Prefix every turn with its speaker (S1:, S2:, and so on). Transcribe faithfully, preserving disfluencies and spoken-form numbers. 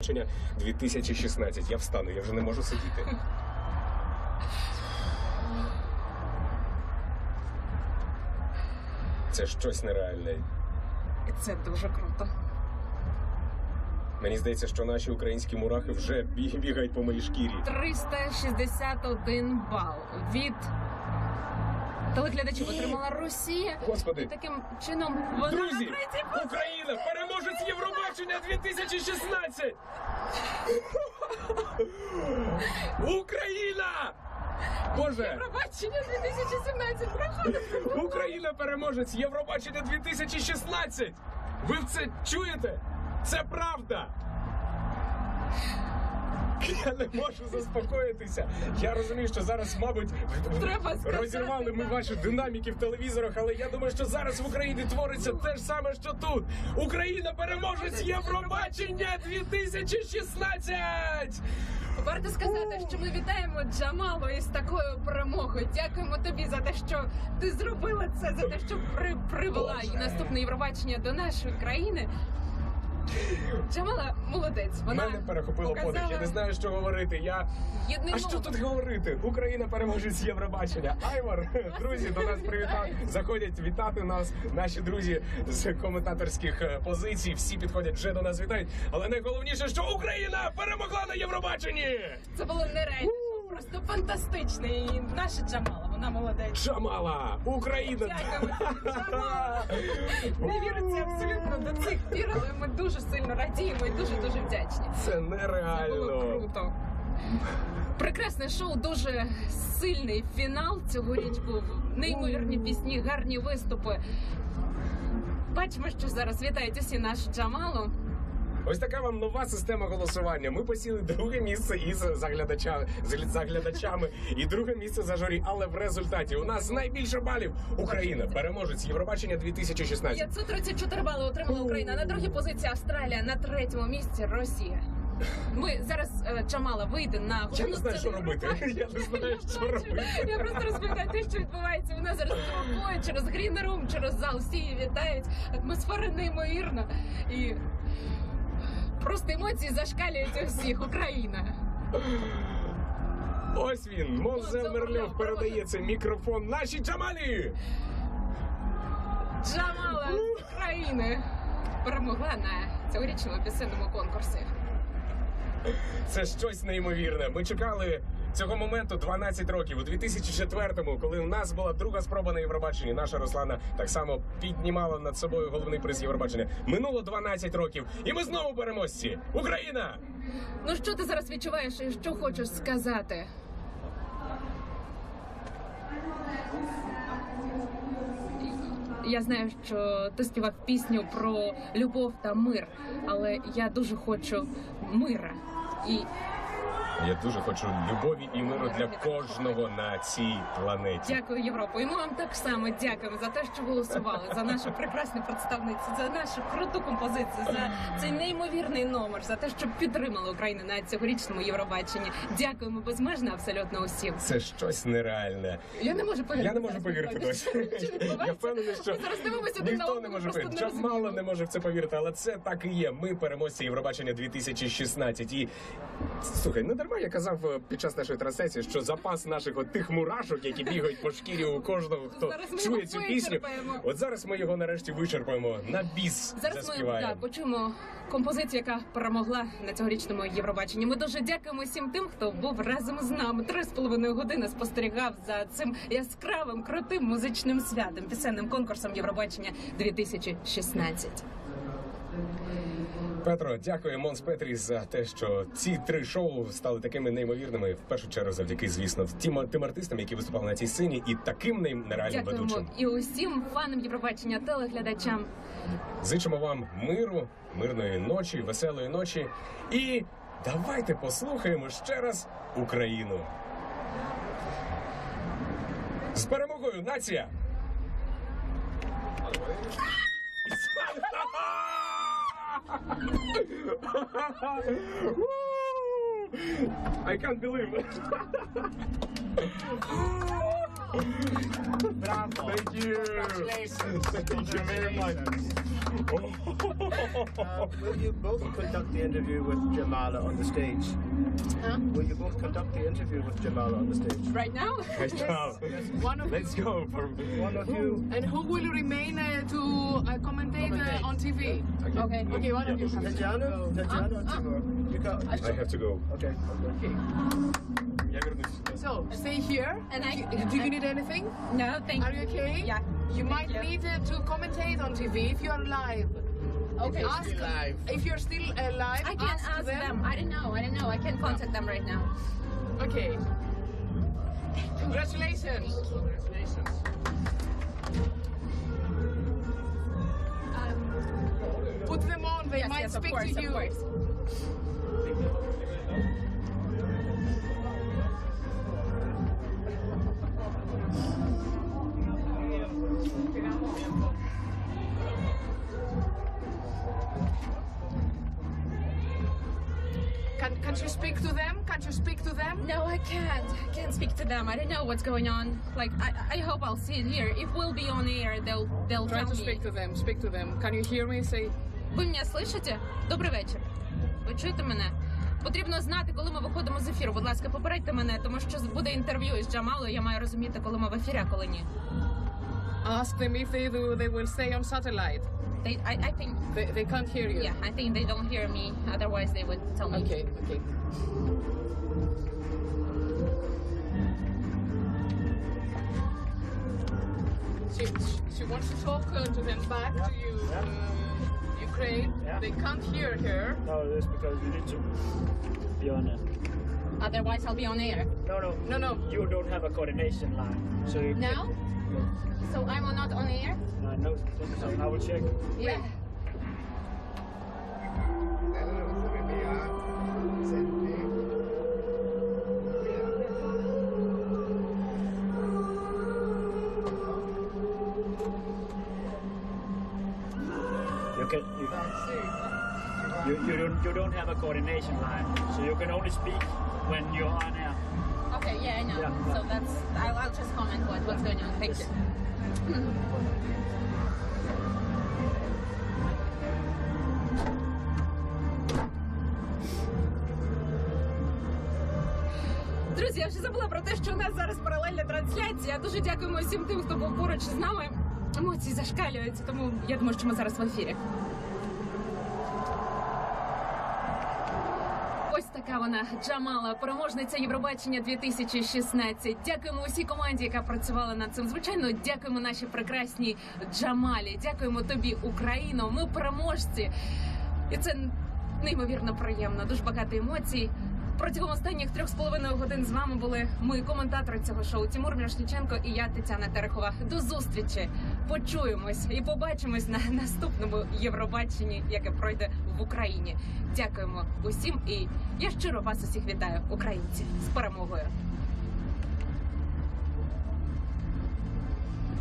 S1: дві тисячі шістнадцять. Я встану, я вже не можу сидіти. Це щось нереальне.
S2: І це дуже круто.
S1: Мені здається, що наші українські мурахи вже бігають по моїй шкірі.
S2: триста шістдесят один бал від телеглядачів отримала Росія.
S1: Господи.
S2: І таким чином вона
S1: Друзі,
S2: на третій позиції.
S1: Україна, переможець Євробачення дві тисячі шістнадцять! Україна! Боже!
S2: Євробачення дві тисячі сімнадцять проходить.
S1: Україна переможець Євробачення дві тисячі шістнадцять! Ви це чуєте? Це правда! Я не можу заспокоїтися. Я розумію, що зараз, мабуть,
S2: Треба сказати,
S1: розірвали ми
S2: так.
S1: ваші динаміки в телевізорах, але я думаю, що зараз в Україні твориться те ж саме, що тут. Україна переможець Євробачення дві тисячі шістнадцять!
S2: Варто сказати, що ми вітаємо Джамалу із такою перемогою. Дякуємо тобі за те, що ти зробила це, за те, що при, привела
S1: Боже.
S2: наступне Євробачення до нашої країни. Джамала молодець. Вона
S1: Мене перехопило
S2: показала
S1: подих. Я не знаю, що говорити. Я
S2: єдний
S1: а що
S2: мов.
S1: тут говорити? Україна переможець Євробачення. Айвар, друзі, до нас привітав. Заходять вітати нас. Наші друзі з коментаторських е, позицій. Всі підходять, вже до нас вітають. Але найголовніше, що Україна перемогла на Євробаченні!
S2: Це було нереально, просто фантастично. І наша Джамала, вона молодець.
S1: Джамала! Україна!
S2: Дякуємо, Джамала! Не віриться абсолютно до цих пір, але ми дуже сильно радіємо і дуже-дуже вдячні.
S1: Це
S2: Це було
S1: нереально.
S2: круто. Прекрасне шоу, дуже сильний фінал цьогоріч був. Неймовірні пісні, гарні виступи. Бачимо, що зараз вітають усі нашу Джамалу.
S1: Ось така вам нова система голосування. Ми посіли друге місце із заглядачами, з заглядачами і друге місце за журі. Але в результаті у нас найбільше балів Україна, переможець Євробачення дві тисячі шістнадцять.
S2: п'ятсот тридцять чотири бали отримала Україна. На другій позиції Австралія, на третьому місці Росія. Ми зараз е, Джамала вийде на
S1: Я
S2: головну
S1: не знаю, що
S2: сцену
S1: робити.
S2: Євробачення.
S1: Я не знаю, що робити.
S2: Я просто розповідаю те, що відбувається. Вона зараз провокує через грінерум, через зал. Всі її вітають. Атмосфера неймовірна. І просто емоції зашкалюють у всіх. Україна.
S1: Ось він, Монзел
S2: Монзел
S1: Мерльов
S2: Мерльов
S1: передає цей мікрофон нашій Джамалі.
S2: Джамала з України перемогла на цьогорічному пісенному конкурсі.
S1: Це щось неймовірне. Ми чекали цього моменту дванадцять років. У дві тисячі четвертому, коли у нас була друга спроба на Євробаченні, наша Руслана так само піднімала над собою головний приз Євробачення. Минуло дванадцять років, і ми знову переможці. Україна!
S2: Ну що ти зараз відчуваєш і що хочеш сказати? Я знаю, що ти співав пісню про любов та мир, але я дуже хочу мира. І
S1: Я дуже хочу любові і миру для кожного на цій планеті.
S2: дякую, Європу. І ми вам так само дякуємо за те, що голосували, за нашу прекрасну представницю, за нашу круту композицію, за цей неймовірний номер, за те, що підтримали Україну на цьогорічному Євробаченні. Дякуємо безмежно абсолютно усім.
S1: Це щось нереальне.
S2: Я не можу повірити.
S1: Я не можу
S2: зараз,
S1: повірити
S2: насправді,
S1: досі.
S2: що відбувається.
S1: Я впевнений, що
S2: Ми зараз дивимося один на
S1: ніхто
S2: одного,
S1: не може
S2: просто
S1: повірити.
S2: не
S1: Джамала
S2: розуміємо.
S1: не може в це повірити, але це так і є. Ми переможці Євробачення дві тисячі шістнадцять. І слухай, не дарма я казав е, під час нашої трансляції, що запас наших от тих мурашок, які бігають по шкірі у кожного, хто
S2: Зараз ми
S1: чує
S2: його
S1: цю пісню.
S2: вичерпаємо.
S1: От зараз ми його нарешті вичерпаємо на біс.
S2: Зараз ми
S1: заспіваємо.
S2: да, почуємо композицію, яка перемогла на цьогорічному Євробаченні. Ми дуже дякуємо всім тим, хто був разом з нами. Три з половиною години спостерігав за цим яскравим, крутим музичним святом, пісенним конкурсом Євробачення дві тисячі шістнадцять.
S1: Петро, дякую Монс Петрі за те, що ці три шоу стали такими неймовірними. В першу чергу завдяки, звісно, тим, тим артистам, які виступали на цій сцені, і таким нейм- нереальним
S2: Дякуємо
S1: ведучим.
S2: і усім фанам Євробачення, телеглядачам.
S1: Зичимо вам миру, мирної ночі, веселої ночі. І давайте послухаємо ще раз Україну. З перемогою, нація! I can't believe it.
S3: Bravo.
S1: Thank you.
S3: Congratulations.
S1: Thank you very much.
S3: Uh, will you both conduct the interview with Jamala on the stage?
S2: Huh?
S3: Will you both conduct the interview with Jamala on the stage?
S2: Right now?
S4: One of
S1: Let's
S4: you.
S1: go for
S3: One of you.
S4: And who will remain uh, to uh, commentate uh, on T V?
S2: Okay.
S4: Okay, one of you.
S3: Tatjana? Tatjana or
S4: uh,
S3: Timur? You got.
S1: I have to go.
S3: Okay.
S4: Okay.
S1: Я вернусь.
S4: So, stay here.
S2: And I-
S4: Do you need anything?
S2: No, thank
S4: Are you okay?
S2: Yeah.
S4: You
S2: Thank
S4: might
S2: you.
S4: need uh, to commentate on T V if you are live.
S2: Okay.
S4: Ask
S3: Still live.
S4: if you're still uh, live.
S2: I can ask, them. I don't know. I don't know. I can contact them right now.
S4: Okay. Congratulations.
S2: Um,
S4: Put them on. They
S2: yes,
S4: might
S2: yes, of
S4: speak
S2: course,
S4: to you.
S2: of course.
S4: Can can you speak to them? Can you speak to them?
S2: No, I can't. I can't speak to them. I don't know what's going on. Like, I, I hope I'll see it here. If we'll be on air, they'll they'll
S4: Try
S2: tell
S4: to
S2: me.
S4: speak to them. Speak to them. Can you hear me? Say.
S2: Ви мене слышите? Добрий вечір. Ви чуєте мене? Потрібно знати, коли ми виходимо з ефіру. Будь ласка, попередьте мене, тому що буде інтерв'ю із Джамалою. Я маю розуміти, коли ми в ефірі, а коли ні.
S4: Ask them if they do. They will stay on satellite.
S2: They, I, I think,
S4: They, they can't hear you.
S2: yeah, I think they don't hear me. Otherwise, they would tell me.
S4: Okay. Okay. She, she wants to talk uh, to them back to you, uh, Ukraine.
S5: Yeah.
S4: They can't hear her.
S5: No, that's because you need to be on a...
S2: Otherwise, I'll be on air.
S5: No, no,
S4: No, no.
S5: you don't have a coordination line. So you
S2: Now? So I'm not on air?
S5: Can, uh, no, I will check.
S2: Yeah.
S5: You can... You, you, you, don't, you don't have a coordination line. So you can only speak when you're on air.
S2: Okay, yeah, I know.
S5: Yeah.
S2: So that's, I'll, I'll just comment what, what's going on. Thank
S5: Yes.
S2: you. Друзі, я вже забула про те, що у нас зараз паралельна трансляція. Дуже дякуємо всім тим, хто був поруч з нами. Емоції зашкалюють, тому я думаю, що ми зараз в ефірі. Ось така вона, Джамала, переможниця Євробачення дві тисячі шістнадцять. Дякуємо усій команді, яка працювала над цим. Звичайно, дякуємо нашій прекрасній Джамалі. Дякуємо тобі, Україно. Ми переможці. І це неймовірно приємно. Дуже багато емоцій. Протягом останніх трьох з половиною годин з вами були ми, коментатори цього шоу Тимур Мірошниченко і я, Тетяна Терехова. До зустрічі! Почуємось і побачимось на наступному Євробаченні, яке пройде в Україні. Дякуємо усім і я щиро вас усіх вітаю, українці, з перемогою!